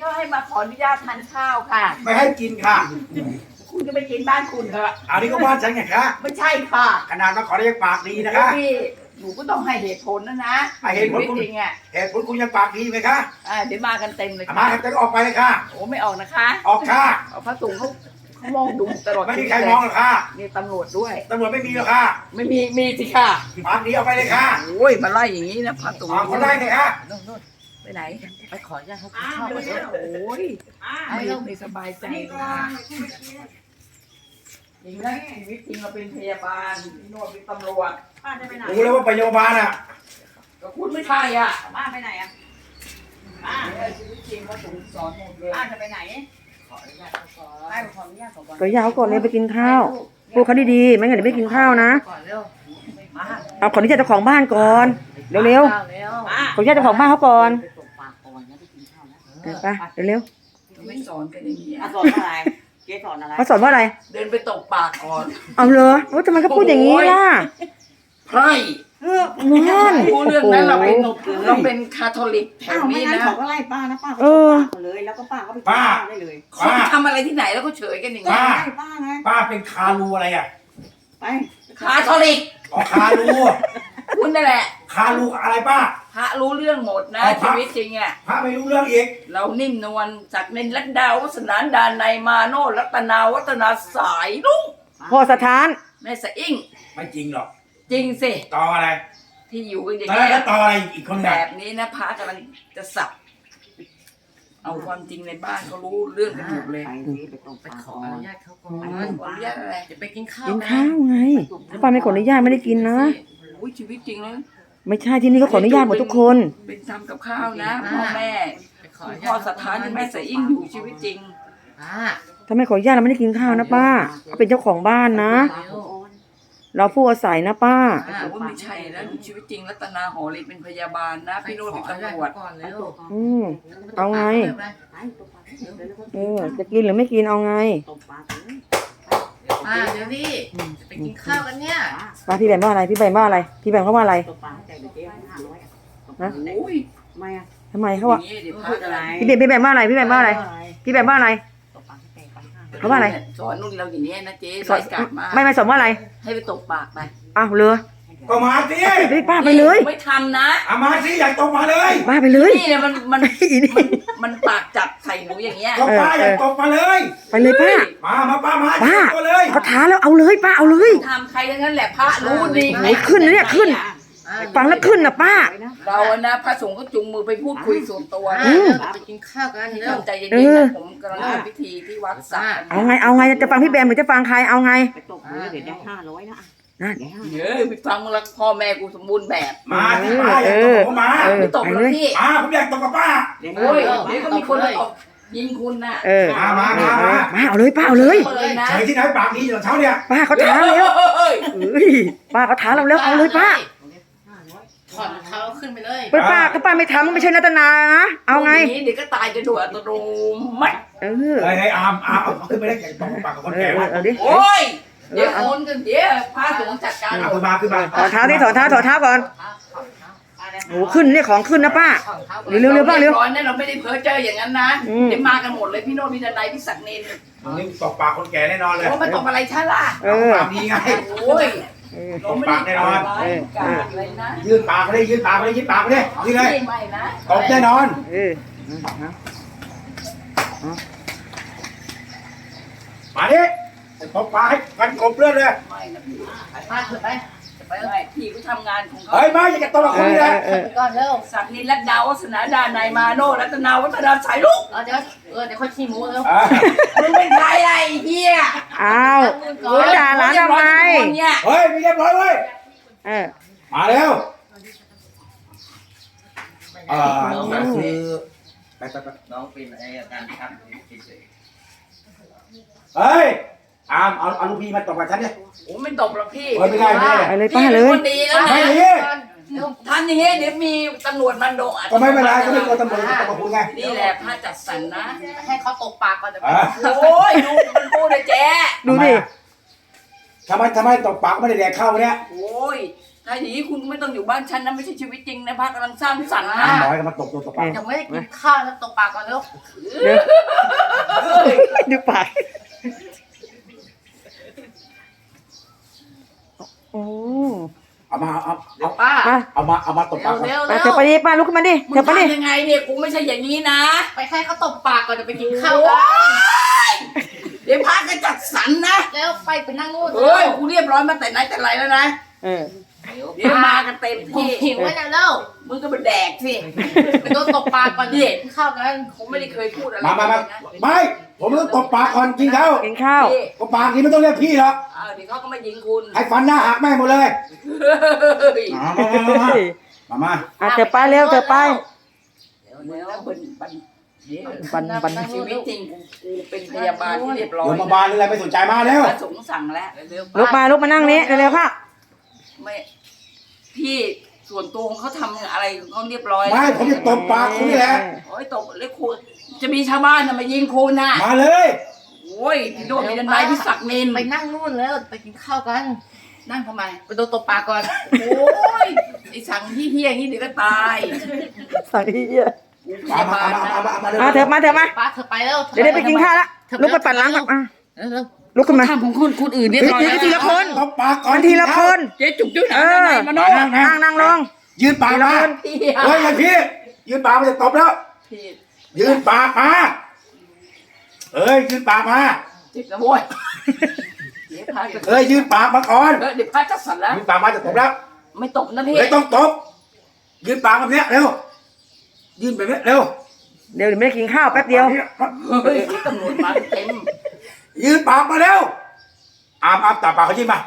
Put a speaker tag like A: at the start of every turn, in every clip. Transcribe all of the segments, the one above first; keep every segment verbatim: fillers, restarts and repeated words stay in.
A: เขาให้มาขออนุญาตทานข้าวค่ะ
B: ไม่ให้กินค่ะ
A: คุณจะไปกินบ้านคุณเถอะ
B: อันนี้ก็บ้านฉันไงคะ
A: ไม่ใช่ค่ะ
B: ขนาดมาขอเรียกปากดีนะคะ
A: พี่หนูก็ต้องให้เหตุผลนะนะ
B: เหตุผลคุณ
A: จริงอ่ะ
B: เหตุผลคุณยังปากดีไหมคะ
A: อ่าเดี๋ยวมากันเต็มเลย
B: มาจะออกไปเลยค่ะ
A: โอ้ไม่ออกนะคะ
B: ออกค่ะ
A: เอาพระสงฆ์เขาเขามองดูตลอด
B: ไม่มีใครมองหรอกค่ะ
A: นี่ตำรวจด้วย
B: ตำรวจไม่มีหรอกค่ะ
A: ไม่มีมีสิค่ะ
B: ปากดีออกไปเลยค่ะ
A: โอ้ยมาไล่อย่างนี้นะพระสงฆ์
B: เขาไล่เลยค่ะ
A: ไปไหน
C: ไปขออนุญาตเขากินข้าวไปเลย
A: โอ้ยไม่ต้องไม่สบายใจค่ะจริงนะชีวิตจริงเราเป็นพยาบาลพี่โนดเป็นตำรวจ
D: ป้าจะไปไหน
B: รู้แล้วว่าพยาบาลอ่ะ
A: ก็คุณไม่ใช่อ่ะ
D: ป้าไปไหนอ่ะป้า
A: ชีวิตจริงเขาสอนหมดเลย
D: ป้าจะไปไหน
A: ขออนุญาตเขาก่อน
D: ป้าขออนุญาตก่อน
C: ก็ยาวก่อนเลยไปกินข้าวพูดเขาดีๆไม่งั้นเดี๋ยวไม่กินข้าวนะเอาขออนุญาตเจ้าของบ้านก่อนเร็วๆขออนุญาตเจ้าของบ้านเขาก่อนไปเร็ว
A: ๆไม่สอนกันอย่างนี้
D: สอนอะไรเจ๊สอนอะไร
C: เขาสอนว่าอะไร
A: เดินไปตกปากก่อน
C: เอาเลยว่าทำไมเขาพูดอย่างนี้ล่ะ
A: ไพร่
C: นั่น
A: พูดเรื่องนั้นเราเป็นเราเป็นคาทอลิกแถวนี้นะ
D: เขาก็ไล่ป้านะป้าก็ตกปากเลยแล้วก็ป้าก็ไปป้าได้เลย
A: เขาทำอะไรที่ไหนแล้วก็เฉยกันอย่างนี้
B: ป้า
D: ป้าไง
B: ป้าเป็นคารูอะไรอ่ะ
D: ไป
A: คาทอลิก
B: อ๋อคารู
A: คุณนั่นแหละ
B: คารูอะไรป้า
A: พระรู้เรื่องหมดนะชีวิตจริงอ่ะ
B: พระไม่รู้เรื่องอีก
A: เรานิ่มนวลศักดิ์นินลัดดาววัฒนานดานในมาโนรัตนาวัฒนาสายลุง
C: พ่อสถาน
A: แม่สะอิ่ง
B: ไม่จริงหรอก
A: จริงสิ
B: ต่ออะไร
A: ที่อยู่กันอย่าง
B: นี้แล้วต่ออะไรอีกคน
A: แบบนี้นะพระกำลังจะสับเอาความจริงในบ้านเขารู้เรื่องกันหมดเลย
C: ไปขออนุญาตเขาก่อน
A: ขออนุญาตอะไร
C: จะไปกินข้าวกินข้าวไงป้าไม่ขออนุญาตไม่ได้กินนะ
A: อุ้ยชีวิตจริงแล้ว
C: ไม่ใช่ที่นี่ก็ขออนุญาตหมดทุกคน
A: เป็นทำกับข้าวนะพ่อแม่พ่อสถานแม่สะอิ่งอยู่ชีวิตจริง
C: ถ้าไม่ขออนุญาตเราไม่ได้กินข้าวนะป้าเขาเป็นเจ้าของบ้านนะเราผู้อาศัยนะป้า
A: ว่าไม่ใช่แล้วชีวิตจริงรัตนาหอลีเป็นพยาบาลนะพี่โนเป็นตำรวจ
C: อืมเอาไงเออจะกินหรือไม่กินเอาไง
E: ป้าเดี๋ยวพี่จะไปกินข้าวกันเนี่ย
C: ป้าพี่แบมว่าอะไรพี่แบมว่าอะไรพี่แบมเขาว่าอะไร
A: นะ
C: ทำไมเขาว่าพี่แบมพี่แบมว่าอะไรพี่แบมว่าอะไรพี่แบมว่าอะไรเขาว่าอะไร
A: สอนนุ่นเราอย่างนี้นะเจ๊สอนกลับมา
C: ไม่ไม่สอนว่าอะไร
A: ให้ไปตกปากไป
C: อ้าวเลย
B: ก็มาสิ
C: ป้าไปเลย
A: ไม่ทำนะ
B: อามาสิอยากตกมาเลย
C: ป้าไปเลย
A: นี่เนี่ยมันมันมันปากจับใส่หนูอย่างเงี้ย
B: ก็ป้าอยากตกมาเลย
C: ไปเลยป้า
B: มามาป้ามา
C: ป้าเขาท้าแล้วเอาเลยป้าเอาเลย
A: ทำใครทั้งนั้นแหละพระรู้ดี
C: ไหนขึ้นเนี่ยขึ้นฟังแล้วขึ้นนะป้า
A: เรานะพระสงฆ์ก็จุงมือไปพูดคุยส่วนตัว
E: ไปกินข้าวกัน
A: เริ่มใจเย็นๆนะผมกำลังทำพิธีที่วัดสัก
C: เอาไงเอาไงจะฟังพี่แบมหรือจะฟังใครเอาไง
D: ไปตกมือเดี๋ยวได้ห้าร้อยนะ
C: นั่น
A: เยอะไปฟังมึงละพ่อแม่กูสมบูรณ์แบบ
B: มาที่ป้าอยากตกมา
A: ไม่ตกเลยพี่
B: มาผมอยากตกกับป้า
A: โอ้ยเดี๋ยวก็มีคนตกยิงคุณน่ะ
B: มามามา
C: มาเอาเลยป้าเอาเลย
B: เฉยที่ไหนปากดีตอนเช้าเนี่ย
C: ป้าเขาท้าแล้วป้าเขาท้าเราแล้วเอาเลยป้า
E: ถอดเท้าขึ้นไปเลย
C: ป้าป้าก็ป้าไม่ทำไม่ใช่รัตนานะเอาไง
A: เดี๋ยวก็ตายจะด่วนตัวดูมัด
C: เออ
B: ไอ้อามอามเอาขึ้นไปได้แก่ตกปากกับคนแก่
C: เอาดิ
A: โอ้ยเดี๋ยวโอนกันเดี๋ยวพาสงฆ์จัดการ
B: เอาขึ้นมาขึ้นมา
C: ถอดเท้าดิถอดเท้าถอดเท้าก่อนโอ้ขึ้นนี่ของขึ้นนะป้าเร็วเร็วป้าเร็ว
A: ร้อนเนี่ยเราไม่ได้เพ้อเจออย่างนั้นนะเดี๋ยวมากันหมดเลยพี่โนพี่ดนัยพี่ศักดิ์นิน
B: นี่ตกปากคนแก่แน่นอนเลย
A: ว่ามันตกอะไรช่ล่ะ
B: เออปากดีไง
A: โอ้ย
B: ตกปากแน่นอนยืนปากไปเลยยืนปากไปเลยยืนปากไปเลยยืนเลยตกแน่นอนมาดิตบปากให้กันกบเลือดเลย
A: มาเถอะไปไปพี่ก็ทำงานของเขา
B: เฮ้ยมาอย่าจะตบคนนี้เลย
E: ก่อนเร็ว
A: สักนินรัตดาวัฒนาดานายมาโนรัตนาวัฒนาสายลุก
E: เดี๋ยวเออเดี๋ยวค่อยขี้หมูเร็ว
A: มึงเป็นใครไอ้เหี้ย
C: อ้าวด่าหลานทำไม
B: เฮ้ยไม่เรียบร้อยเว้ยมาเร็วอ่าคือไปไปไป
E: น้องเป็นไอ้การชัก
B: เฮ้ยอามเอาเอาลูกพี่มาตบกับฉันเนี่ย
A: โอ้ไม่ตบหรอกพี่
B: ไม่ได้ไม่ได้
C: ไปเลยป้าเลย
A: คนดีแล้วนะทำอย่างเงี้ยเดี๋ยวมีตำรวจมันโดน
B: ก็ไม่เป็นไรก็ไม่กลัวตำรวจตบคุณไง
A: นี่แหละพระจัดสรรนะ
E: ให้เขาตกปากก่อนจะ
A: โอ้ยดูมันพูดเลยแจ๊
C: ดูดิ
B: ทำไมทำไมตบปากไม่ได้แดกเข้าเนี่ย
A: โอ้ยถ้าอย่างนี้คุณไม่ต้องอยู่บ้านฉันนะไม่ใช่ชีวิตจริงนะพระกำลังสร้างสรรค์นะ
B: ห้าร้อยก็มาตบตัวตบปาก
E: ยังไม่ได้กินข้าวแล้วตกปากก่อนเร็ว
C: เดี๋ยวดูปากโอ้
B: เอามาเอา
E: เดี๋ย
B: เอา
E: วป้า
C: มา
B: เอามาเอามาตบปาก
E: เร็ว
C: ไป
E: เร็ว
C: เธอไปดิป้าลุกขึ้นมาดิ
A: มึ
C: เธ
A: ง
C: อไปดิ
A: ทำยังไงเนี่ยกูไม่ใช่อย่างนี้นะ
E: ไปให้เขาตบปากก่อนจะไปกินข้าวกัน
A: เดี๋ยวพระก็จัดสรรนะ
E: แล้วไปไปนั่งนู่น
A: เฮ้ยกูเรียบร้อยมาแต่ไหนแต่ไรแล้วนะ
C: เออ
A: เดี๋ยวมากันเต็ม
E: ผม
A: ที่
E: หิวไว้นะเร็ว
A: มึงก็มาแดกสิ
E: ไปโดนตบปากก่อนดิกินข้าวกัน
A: ผมไม่ได้เคยพูดอะไร
B: มามามา
A: เลยนะ
B: ไม่ผมต้องตบปากก่อนกินข้าว
C: กินข้าว
A: พี่
B: ก็ปากนี้ไม่ต้องเรียกพี่หรอก
A: เออเดี๋ยวเขาก็มายิงคุณ
B: ให้ฟันหน้าหักแม่งหมดเลย
A: เฮ้ย
B: มามามามามามา
C: อ่ะเธอไปเร็วเธอไป
A: เดี๋ยวเดี๋ยวบันบันเดี๋ยว
C: บันบัน
A: ชีวิตจริงกูกูเป็นพยาบาลที่เรียบร้อย
B: เดี๋ยวมาบานอะไรไม่สนใจมาเร็ว
A: พระสงฆ์สั่งแล้วเร็วๆ
C: ลุกมาลุกมานั่งนี้เร็วๆค่ะ
A: ไม่พี่ส่วนตัวของเขาทำอะไรของเขาเรียบร้อย
B: ไม่ผมจะตบปากคุณนี่แหละ
A: โอ้ยตบเลยคุณจะมีชาวบ้านน่ะมายิงคุณน่ะ
B: มาเลย
A: โอ้ยพี่โดนมีดันไนพี่ศักดิ์นิน
E: ไปนั่งนู่นแล้วไปกินข้าวกัน
A: นั่งทำไม
E: ไปโดนตบปากก่อน
A: โอ้ยไอ้สั่งที่เฮี้ยอย่างนี้เดี๋ยวก็ตาย
C: สั่งที่เยอะ
A: กูพ
B: มาย
A: า
B: มา
A: บาล
B: มา
A: นะ
B: มามามาเลย
C: อ่ะเธอมาเธอมา
E: ป้าเธอไปแล้ว
C: เดี๋ยวได้ไปกินข้าวละลุกไปปัดล้างก่อนอ่ะ
E: เร็ว
C: ลุกขึ้นมา
A: ทำของคนคนอื่นเรียบร้อย
C: เดี๋ยวทีละคน
B: ตบปากก่อน
C: มันทีละคน
A: เจ๊จุกจุกห
C: เอ
A: นา
C: อ
A: ไหนมาโน่
B: นั่ง
C: นั่งนั่งลง
B: ยืนปากมา
A: พี่
B: เฮ้ยอย่าพี่ยืนปากมาจะตบแล้ว
A: พี่
B: ยืนปากมาเอ้ยยืนปากมา
A: จิบนะโว้ยเดี๋ยวพาจะ
B: เอ้ยยืนปากมาก่อน
A: เออเดี๋ยวพาจะสั่นแล้ว
B: ยืนปากมาจะตบแล้ว
A: ไม่ตบนะพี่
B: เฮ้ยต้องตบยืนปากแบบเนี้ยเร็วยืนแบบเนี้ยเร็ว
C: เดี๋ยวเดี๋ยวไม่ได้กินข้าวแป๊บเดียว
A: เฮ้ยเดี๋ยวตำรวจมาเต็ม
B: ยืนปากมาเร็วอามอามตาปากเขายิ้มมา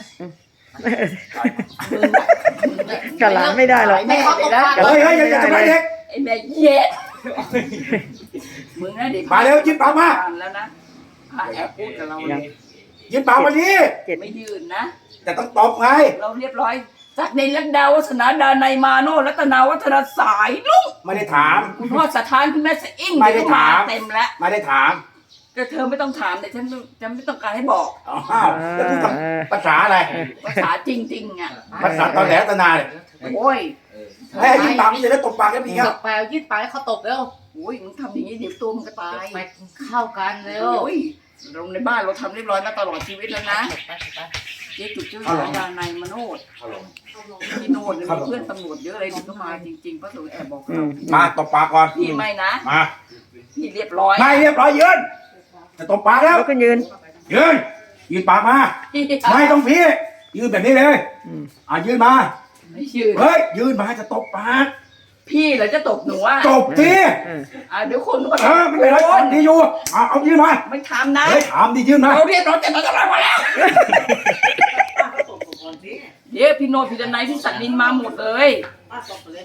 C: กับหลานไม่ได้หรอก
E: ๆให้เขาตบปากก่อน
B: เฮ้ยเฮ้ยอย่าอย่าทำร้ายเด็ก
A: ไอ้แม่เย็ดมึงนะเด็ก
B: มาเร็วยิ้มปากมา
A: แล้วนะพาแอบพูดกับเรา
C: ยัง
B: ยืนปากมาดิ
C: เจ็ด
A: ไม่ยืนนะ
B: แต่ต้องตบไง
A: เราเรียบร้อยจากในลักดาวัฒนาดาในยมาโนรัตนาวัฒนาสายลุง
B: ไม่ได้ถาม
A: คุณพ่อสถานคุณแม่สะอิ่ง
B: ไม่ได้ถาม
A: เต็มแล้ว
B: ไม่ได้ถาม
A: ก็เธอไม่ต้องถามแต่ฉันฉันไม่ต้องการให้บอก
B: อ้าวแล้วพูดภาษาอะไร
A: ภาษาจริงๆอ่ะ
B: ภาษาตอนแหลตนาเนี่ย
A: โอ้ย
B: ให้ยิ้มปากนี่จะได้ตบปากกันอีก
E: ต
B: อ่ะ
E: บไปเอายืดปากให้เขาตบเร็ว
A: โอ้ยมึงทำอย่างนี้เดี๋ยวตัวมึงก็ตาย
E: ไปกินข้าวกันเร็ว
A: โอ้ยเราในบ้านเราทำเรียบร้อยมาตลอดชีวิตแล้วนะ
E: ไปไป
A: เจ๊จุดชื่อสายดานายมโนดพี่โนดมีเพื่อนตำรวจเยอะเลยถึงก็มาจริงๆพระสงฆ์แอบบอก
C: อื
A: เรา
C: ม
B: มาตบปากก่อน
A: พี่ไม่นะ
B: มา
A: พี่เรียบร้อย
B: ไม่เรียบร้อยยืนจะตบปากแล้ว
C: ลุกขึ้นยืน
B: ยืนยืนปากมา
A: พี่
B: ไม่ต้องพี่ยืนแบบนี้เลย
C: อืม
B: อ่ะยืนมา
A: ไม่ชื่อ
B: เฮ้ยยืนมาจะตบปาก
A: พี่เหรอจะตบหนูอ่ะ
B: ตบสิ
C: เออ
A: อ่ะเดี๋ยวคนก็
B: เออไม่เป็นไร
A: โ
B: ดีอยู่เอาเอายืนมา
A: ไม่ทำนะ
B: เฮ้ยถามดิยืนมา
A: เราเรียบร้อยแต่เราจะมาแล้วเดี๋ยวพี่โนดพี่ดนายพี่สันนินมาหมดเลย